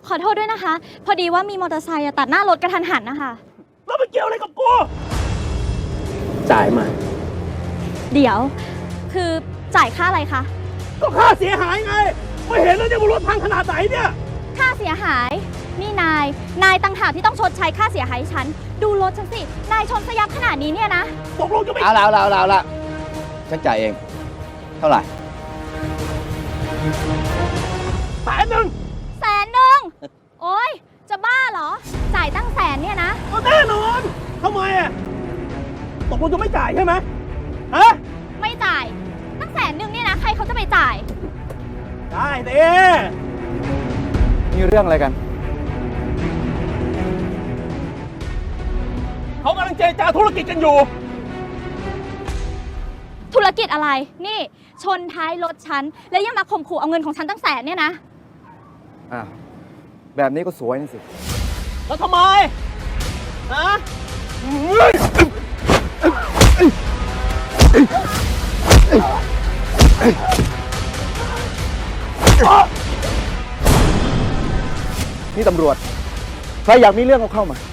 ขอโทษด้วยนะคะ พอดีว่ามีมอเตอร์ไซค์ตัดหน้ารถกระทันหันนะคะแล้วมันเกี่ยวอะไรกับกูจ่ายมาเดี๋ยว คือจ่ายค่าอะไรคะก็ค่าเสียหายไง ไม่เห็นแล้วเนี่ยว่ารถพังขนาดไหนเนี่ยค่าเสียหาย นี่นายต่างหากที่ต้องชดใช้ค่าเสียหายให้ฉัน ดูรถฉันสิ นายชนซะยับขนาดนี้เนี่ยนะตกลงจะไม่เอาละฉันจ่ายเอง เท่าไหร่ 100,000 100,000โอ๊ย จะบ้าเหรอ จ่ายตั้งแสนเนี่ยนะก็แน่นอนทำไมอ่ะตกลงจะไม่จ่ายใช่ไหมฮะไม่จ่าย ตั้ง100,000เนี่ยนะ ใครเขาจะไปจ่ายได้เด้มีเรื่องอะไรกันเขากำลังเจรจาธุรกิจกันอยู่ธุรกิจอะไร นี่ ชนท้ายรถฉัน แล้วยังมาข่มขู่เอาเงินของฉันตั้ง100,000เนี่ยนะอ้าว แบบนี้ก็สวยนี่สิแล้วทำไม ฮะนี่ตำรวจ ใครอยากมีเรื่องก็เข้ามา